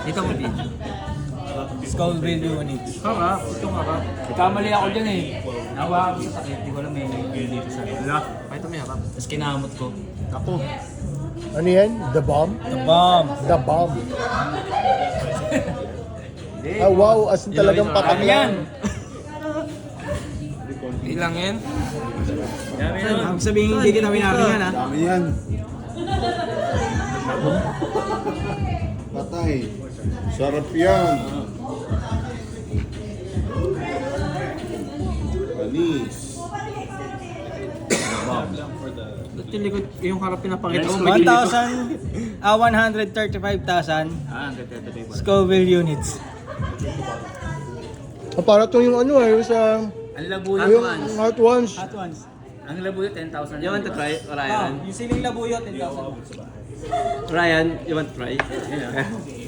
Ito mo, Bin. Scoville units. Harap, itong harap. Kamali ako dyan eh. Nawa ako sa takip. Hindi ko alam may dito sa Wala. Ito may harap. Tapos kinamot ko. Ako. Ano yan? The bomb? The bomb. The bomb. Ah, wow, as in talagang patak yan. Ilang yan? Ang sabihin hindi kita winari yan ha. Dami yan. Patay. Sarap yan. Panis. Ba't yung likod, yung harap pinapakita ko? 1,000, 135,000 Scoville units. Ah, para to yung ano yung sa... Ang labuyot Yung hot ones. Hot ones. Ang labuyot 10,000. You want to try, Ryan? Yung siling labuyot 10,000. Ryan, you want to try? Yan ah.